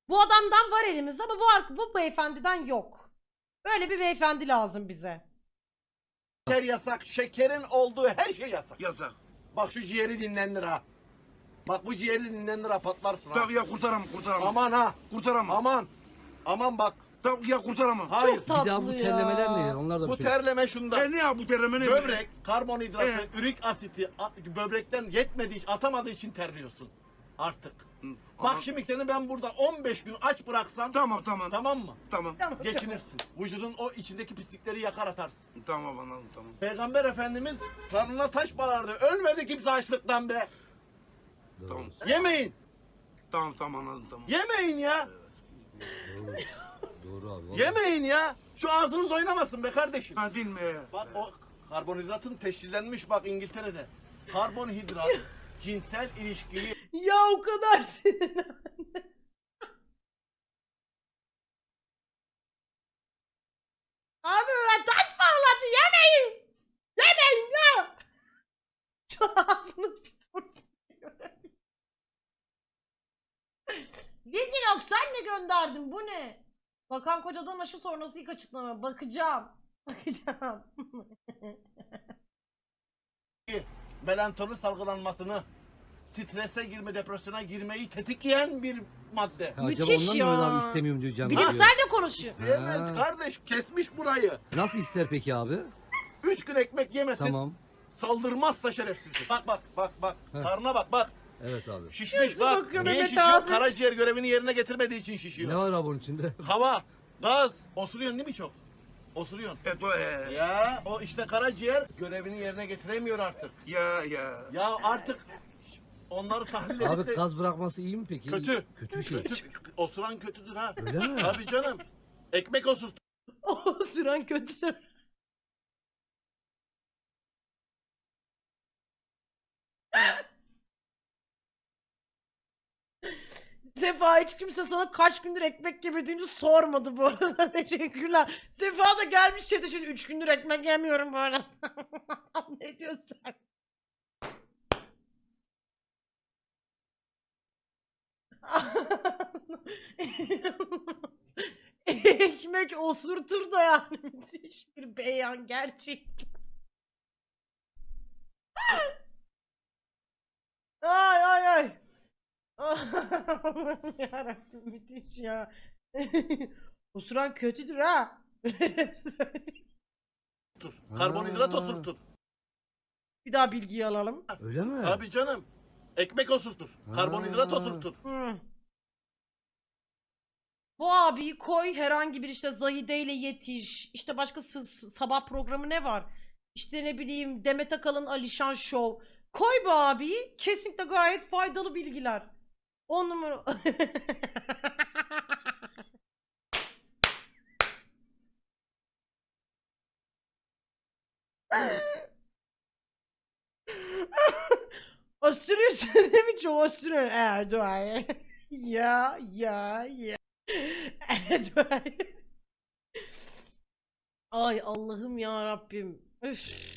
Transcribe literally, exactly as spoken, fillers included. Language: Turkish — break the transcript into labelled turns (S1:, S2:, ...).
S1: Bu adamdan var elimizde ama bu, ark- bu beyefendiden yok. Böyle bir beyefendi lazım bize.
S2: Şeker yasak, şekerin olduğu her şey yasak.
S3: Yasak.
S2: Bak şu ciğeri dinlendir ha. Bak bu ciğeri dinlendir ha, patlarsın ha.
S3: Tabii ya kurtaramam kurtaramam.
S2: Aman ha.
S3: Kurtaramam.
S2: Aman. Aman bak.
S3: Tabii ya kurtaramam.
S2: Hayır.
S1: Çok tatlı
S4: Bir daha bu
S1: ya.
S4: terlemeler ne? Onlar da
S2: Bu
S4: bir şey.
S2: terleme şunda.
S3: E ne ya bu terleme ne?
S2: Böbrek, karbonhidratı,
S3: Evet.
S2: ürik asiti a- böbrekten yetmediği için, atamadığı için terliyorsun. Artık.
S3: Hı,
S2: Bak
S3: ama-
S2: şimdi seni ben burada on beş gün aç bıraksam
S3: Tamam tamam.
S2: tamam mı?
S3: Tamam.
S1: Tamam,
S2: Geçinirsin. Vücudun o içindeki pislikleri yakar atarsın.
S3: Tamam anladım tamam.
S2: Peygamber Efendimiz karnına taş bağlardı. Ölmedi kimse açlıktan be.
S4: Doğru.
S3: Tamam.
S2: Yemeyin.
S3: Tamam tamam anladım tamam.
S2: Yemeyin ya.
S4: Doğru. Doğru abi. vallahi.
S2: Yemeyin ya. Şu ağzınız oynamasın be kardeşim.
S3: Ha değil mi?
S2: Bak o karbonhidratın teşhislenmiş bak İngiltere'de. Karbonhidrat cinsel ilişkiyi
S1: Ya o kadar sinirlendim. Abi ben taş bağladı yemeyin. Yemeyin ya. Şu ağzınız bir dursun. Lidinox sen mi gönderdin bu ne? Bakan kocadan aşı sonrası ilk açıklama. Bakacağım. Bakacağım.
S2: melatonin salgılanmasını, strese girme, depresyona girmeyi tetikleyen bir madde.
S4: Ha,
S1: Müthiş
S4: acaba ondan mı
S1: ya.
S4: öyle abi istemiyorum diyor canım.
S1: Bilimsel de konuşuyor.
S2: Diyemez
S4: Ha.
S2: kardeş, kesmiş burayı.
S4: Nasıl ister peki abi?
S2: Üç gün ekmek yemesin,
S4: Tamam.
S2: saldırmazsa şerefsiz. Bak bak bak bak,
S4: Heh.
S2: karnına bak bak.
S4: Evet abi.
S2: Şişmiş
S1: Nasıl
S2: bak.
S1: bakıyor
S2: Niye
S1: Mehmet
S2: şişiyor?
S1: abi?
S2: Karaciğer görevini yerine getirmediği için şişiyor.
S4: Ne var abi onun içinde?
S2: Hava, gaz, osuruyorsun değil mi çok? Osuruyorsun.
S3: Evet o e.
S2: Ya o işte karaciğer görevini yerine getiremiyor artık.
S3: Ya ya.
S2: Ya artık onları tahlil edip
S4: Abi
S2: de
S4: gaz bırakması iyi mi peki?
S2: Kötü.
S4: Kötü bir şey.
S2: kötü, osuran kötüdür ha.
S4: Öyle mi?
S2: Tabii canım. Ekmek osurt.
S1: O süren kötü. Sefa hiç kimse sana kaç gündür ekmek yemediğini sormadı bu arada. Teşekkürler. Sefa da gelmiş chat'e şimdi üç gündür ekmek yemiyorum bu arada. Ne diyorsun sen? Ekmek osurtur da yani müthiş bir beyan gerçekten. Ay ay ay. Allah'ım yarabbim müthiş ya. Osuran kötüdür ha.
S2: Otur. Karbonhidrat
S4: Ha.
S2: osurtur.
S1: Bir daha bilgiyi alalım.
S4: Öyle mi?
S2: Tabii canım. Ekmek osurtur. Karbonhidrat
S4: Ha.
S2: osurtur.
S1: Hmm. Bu abiyi koy herhangi bir işte Zahide ile yetiş. İşte başka s- s- sabah programı ne var? İşte ne bileyim Demet Akalın Alişan Show. Koy bu abiyi kesinlikle gayet faydalı bilgiler. On numara. Osuruyorsun değil mi? Çok osuruyor. Erdoğan. Ya ya ya. Erdoğan. Ay Allah'ım ya Rabbim. Üf.